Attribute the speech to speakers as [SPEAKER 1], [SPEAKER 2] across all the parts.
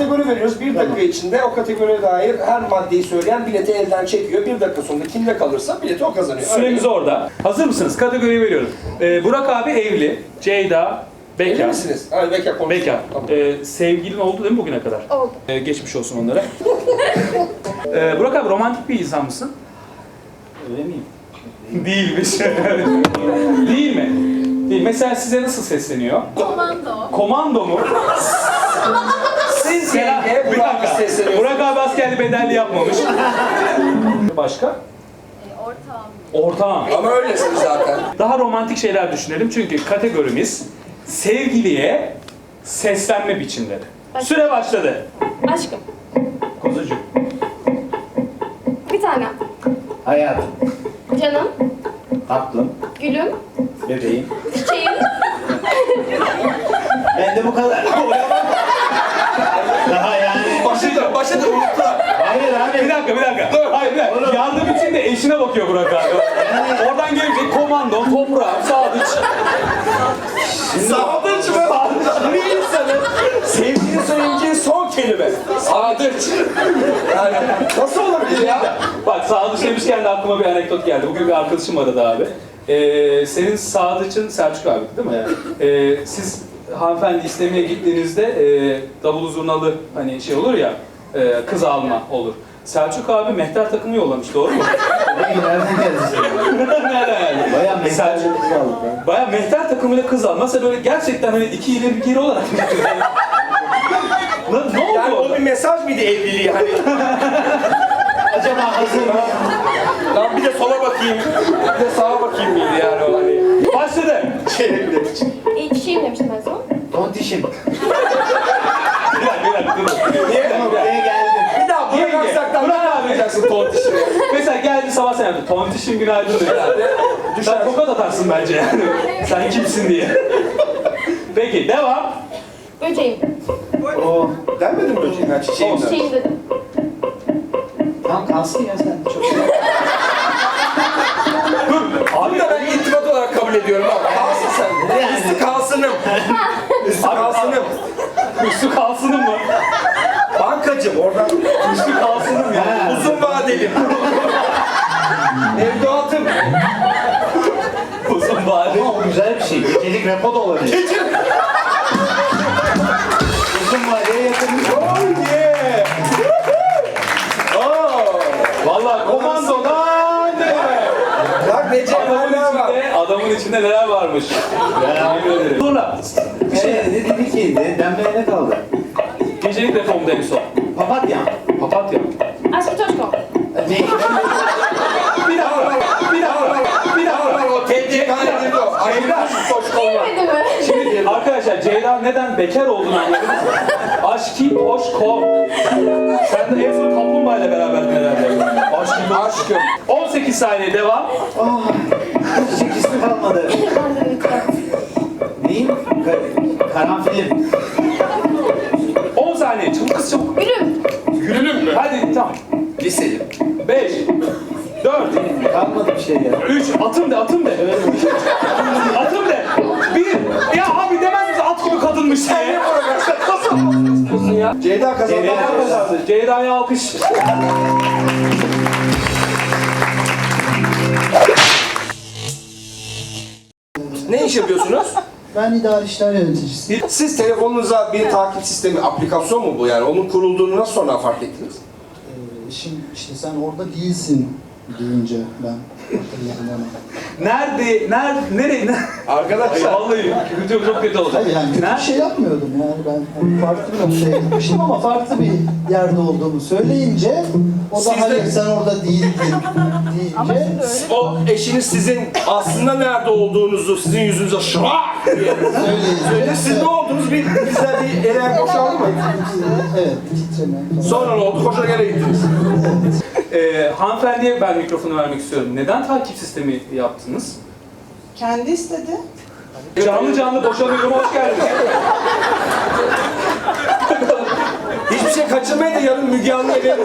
[SPEAKER 1] kategori veriyoruz. 1 dakika içinde o kategoriye dair her maddeyi söyleyen bileti elden çekiyor. 1 dakika sonunda kimde kalırsa bileti o kazanıyor.
[SPEAKER 2] Süremiz orada. Hazır mısınız? Kategoriyi veriyorum. Burak abi evli. Ceyda bekar.
[SPEAKER 1] Evli misiniz? Hayır, bekar konuşuyor.
[SPEAKER 2] Bekar.
[SPEAKER 1] Tamam.
[SPEAKER 2] Sevgilin oldu değil mi bugüne kadar?
[SPEAKER 3] Oldu.
[SPEAKER 2] Geçmiş olsun onlara. Burak abi romantik bir insan mısın?
[SPEAKER 4] Öyle miyim?
[SPEAKER 2] Değilmiş. Değil mi? Değil. Mesela size nasıl sesleniyor?
[SPEAKER 3] Komando.
[SPEAKER 2] Komando mu?
[SPEAKER 1] Siz
[SPEAKER 2] Bir
[SPEAKER 1] yenge Burak'ı
[SPEAKER 2] dakika.
[SPEAKER 1] sesleniyorsunuz.
[SPEAKER 2] Burak abi askerli bedelli yapmamış. Başka?
[SPEAKER 3] Ortağım.
[SPEAKER 2] Ortağım.
[SPEAKER 1] Ama öylesiniz zaten.
[SPEAKER 2] Daha romantik şeyler düşünelim çünkü kategorimiz sevgiliye seslenme biçimleri. Süre başladı.
[SPEAKER 3] Aşkım.
[SPEAKER 2] Kuzucuğum.
[SPEAKER 3] Bir tanem.
[SPEAKER 4] Hayatım,
[SPEAKER 3] Canım.
[SPEAKER 4] tatlım,
[SPEAKER 3] Gülüm.
[SPEAKER 4] bebeğim.
[SPEAKER 3] Çiçeğim.
[SPEAKER 4] Ben de bu kadar. Daha yani.
[SPEAKER 1] Başladı unuttular.
[SPEAKER 4] Hayır abi.
[SPEAKER 2] Bir dakika. Hayır bir dakika. Yardım için de eşine bakıyor Burak abi. Oradan gelecek komando, toprağım, sadıç.
[SPEAKER 1] Sadıç mı? Bir insanın sevgili söyleyeceği son kelime. Sadıç. Yani nasıl olabilir ya?
[SPEAKER 2] Bak sadıç demişken de aklıma bir anekdot geldi. Bugün bir arkadaşım aradı abi. Senin sadıçın Selçuk abi değil mi? Siz hanımefendi istemeye gittiğinizde davulu zurnalı hani şey olur ya, kız alma olur. Selçuk abi mehter takımı yollamış, doğru mu?
[SPEAKER 4] Nereden geldi?
[SPEAKER 2] Nereden yani?
[SPEAKER 4] Bayağı mesaj
[SPEAKER 2] Selçuk-
[SPEAKER 4] aldık.
[SPEAKER 2] Bayağı mehter takımıyla kız al. Mesela böyle gerçekten hani iki ileri bir geri olarak mı gittin? Ne oldu
[SPEAKER 1] Yani o
[SPEAKER 2] orada?
[SPEAKER 1] bir mesaj mıydı evliliği hani?
[SPEAKER 4] Acaba hazır mı?
[SPEAKER 1] Lan bir de sola bakayım, bir de sağa bakayım mıydı yani o hani?
[SPEAKER 2] Başladı.
[SPEAKER 3] Çiçeğim demiştim en son.
[SPEAKER 4] Tontişim.
[SPEAKER 2] Bir dakika, dur.
[SPEAKER 1] Niye?
[SPEAKER 4] Buraya geldim.
[SPEAKER 1] Bir daha Burak
[SPEAKER 2] Yenge,
[SPEAKER 1] Aksak'tan
[SPEAKER 2] Burak
[SPEAKER 1] ne
[SPEAKER 2] abi.
[SPEAKER 1] yapacaksın tontişini?
[SPEAKER 2] Mesela geldi sabah sen yaptın. Tontişim günaydın dedi. Sen tokat atarsın bence yani. Sen kimsin diye. Peki devam.
[SPEAKER 3] Böceğim.
[SPEAKER 4] O
[SPEAKER 1] Denmedin mi böceğin? Ha, çiçeğim de.
[SPEAKER 3] Çiçeğim dedim.
[SPEAKER 4] tam kalsın ya sen. Çok güzel.
[SPEAKER 1] Abi de ben iltifat olarak kabul ediyorum abi. Kalsın sen.
[SPEAKER 4] Yani.
[SPEAKER 1] Üstü kalsınım. Üstü kalsınım.
[SPEAKER 2] Üstü kalsınım mı?
[SPEAKER 1] Bankacım oradan
[SPEAKER 2] Üstü kalsınım ya.
[SPEAKER 4] Ha.
[SPEAKER 1] uzun vadeli. Evdatım.
[SPEAKER 2] Uzun vade.
[SPEAKER 4] Ama o güzel bir şey. Gecelik repo da olabilir. Uzun vadeye yatırmış.
[SPEAKER 1] Oh yeah. Oh.
[SPEAKER 2] Vallahi komandodan ne? Adamın içinde neler varmış. Yemin ederim. Sonra
[SPEAKER 4] Ne dedi ki? Denmeye ne kaldı?
[SPEAKER 2] gecelik reformda en son.
[SPEAKER 4] Papatya.
[SPEAKER 2] Papatya.
[SPEAKER 3] Aşkı Toşko.
[SPEAKER 4] Ne?
[SPEAKER 2] Bir dakika.
[SPEAKER 1] O TCK'ya girdi o. Aynen.
[SPEAKER 3] Girmedi mi?
[SPEAKER 2] Şimdi arkadaşlar Ceyda neden bekar olduğunu anladınız mı? Aşkı Toşko. Sen de en son kaplumbağa ile beraberdin herhalde. Aşkım. 18 saniye devam.
[SPEAKER 4] Çiçek ismi kalmadı.
[SPEAKER 3] Ben de lütfen.
[SPEAKER 4] Neyim? Karanfilim.
[SPEAKER 2] 10 saniye. Çabuk kız çabuk.
[SPEAKER 3] Gülüm.
[SPEAKER 1] Gülünüm mü?
[SPEAKER 2] Hadi tamam.
[SPEAKER 1] Liseyim.
[SPEAKER 2] 5 4
[SPEAKER 4] Kalmadı bir şey ya.
[SPEAKER 2] 3 atım de. Atım de. 1 ya abi demez misin at gibi kadınmış diye.
[SPEAKER 1] Ceyda kazandı.
[SPEAKER 2] Ceyda kazandı. Ceyda'ya alkış.
[SPEAKER 1] Ne iş yapıyorsunuz?
[SPEAKER 5] Ben idari işler yöneticisiyim.
[SPEAKER 1] Siz telefonunuza bir takip sistemi, aplikasyon mu bu yani? Onun kurulduğunu nasıl sonra fark ettiniz?
[SPEAKER 5] Şimdi işte sen orada değilsin deyince ben hatırladım onu.
[SPEAKER 2] Nereye?
[SPEAKER 1] Arkadaşlar.
[SPEAKER 2] Vallahi çok kötü olacak.
[SPEAKER 5] Hayır yani kötü bir şey yapmıyordum yani ben hani farklı bir noktaya gitmişim ama farklı bir yerde olduğumu söyleyince o da
[SPEAKER 1] Siz de-
[SPEAKER 5] hayır sen orada değildin deyince
[SPEAKER 1] O eşiniz sizin aslında nerede olduğunuzu sizin yüzünüze şırak diye söyledi. Siz ne oldunuz? Bizden bir ele boşaldı mı?
[SPEAKER 5] Evet titreme.
[SPEAKER 1] Sonra ne oldu? Koşa gene gittiniz.
[SPEAKER 2] Hanımefendiye ben mikrofonu vermek istiyorum. Neden takip sistemi yaptınız?
[SPEAKER 6] Kendi istedi.
[SPEAKER 2] Canlı boşanıyorum, hoş geldiniz.
[SPEAKER 1] Hiçbir şey kaçırmayın da yarın Müge Anlı'ya veririz.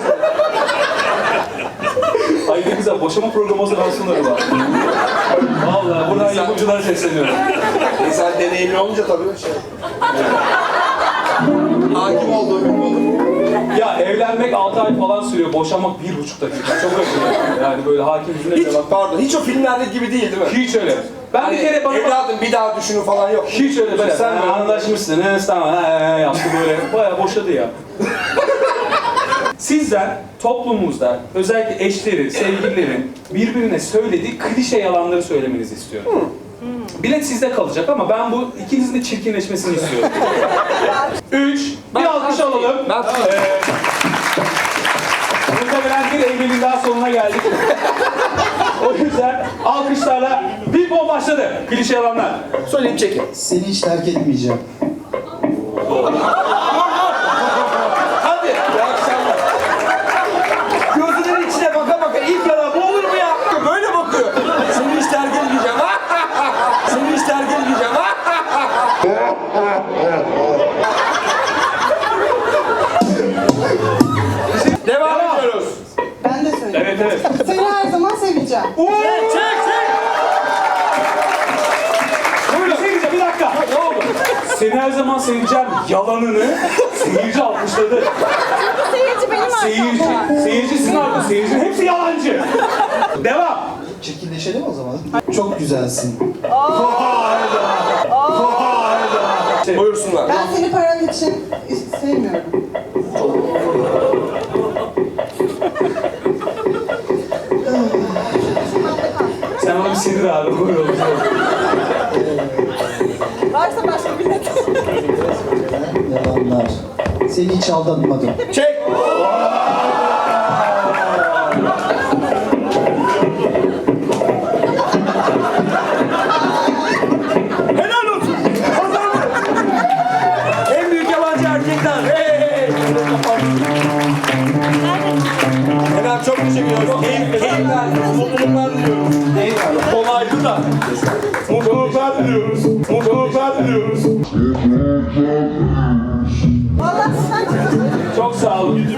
[SPEAKER 2] Ay ne güzel, boşama programı hazırlansınlar var. Vallahi buradan yapımcılara sesleniyorum.
[SPEAKER 1] İnsan deneyimli olunca tabii şey. Hakim olduğu bir konu.
[SPEAKER 2] Ya evlenmek 6 ay falan sürüyor, boşanmak 1,5 dakika. Çok acı. Yani böyle hakim yüzüne
[SPEAKER 1] Hiç,
[SPEAKER 2] cevap.
[SPEAKER 1] pardon, hiç o filmlerdeki gibi değil mi?
[SPEAKER 2] Hiç öyle. Ben
[SPEAKER 1] Hani
[SPEAKER 2] bir kere bana...
[SPEAKER 1] evladım bir daha düşünün falan yok.
[SPEAKER 2] Hiç öyle böyle.
[SPEAKER 1] Sen
[SPEAKER 2] Sen anlaşmışsınız, tamam yaptı böyle. Bayağı boşadı ya. Sizden toplumumuzda özellikle eşleri, sevgililerin birbirine söylediği klişe yalanları söylemenizi istiyorum. Bilet sizde kalacak ama ben bu ikinizin de çirkinleşmesini istiyorum. 3, bir alkış alalım. Muhtemelen bir Eylül'ün daha sonuna geldik. O yüzden alkışlarla bir bol başladı. Klişe yalanlar.
[SPEAKER 1] Söyleyeyim çekin.
[SPEAKER 5] Seni hiç terk etmeyeceğim.
[SPEAKER 1] Hadi. İyi akşamlar. Gözünün içine baka baka ilk yalan bu olur mu ya? Böyle bakıyor. Seni hiç terk etmeyeceğim. Seni hiç terk etmeyeceğim. Devam ediyoruz.
[SPEAKER 6] Ben de söyleyeyim.
[SPEAKER 2] Evet evet.
[SPEAKER 6] Seni her zaman seveceğim.
[SPEAKER 1] Çek çek.
[SPEAKER 2] Buyurun. Seyirci bir dakika.
[SPEAKER 1] Ne oldu?
[SPEAKER 2] Seni her zaman seveceğim yalanını seyirci alkışladı.
[SPEAKER 3] Seyirci benim arkamda.
[SPEAKER 2] Seyirci sizin arkanızda. Seyircinin hepsi yalancı. Devam.
[SPEAKER 5] Çirkinleşelim o zaman. Çok güzelsin.
[SPEAKER 1] Buyursunlar.
[SPEAKER 6] Ben seni paran için sevmiyorum.
[SPEAKER 2] Sen ona bir sinir abi. Buyurun.
[SPEAKER 6] Varsa başka bilet.
[SPEAKER 5] Yalanlar. Seni hiç aldatmadım.
[SPEAKER 1] Çek. Helal olsun. Kazandı. En büyük yabancı erkekler. Hey hey. Efendim çok teşekkür ediyoruz. Keyifler, mutluluklar diliyoruz. Kolaydı da. Mutluluklar diliyoruz. Mutluluklar diliyoruz.
[SPEAKER 6] Vallahi sen
[SPEAKER 2] Çok sağ olun.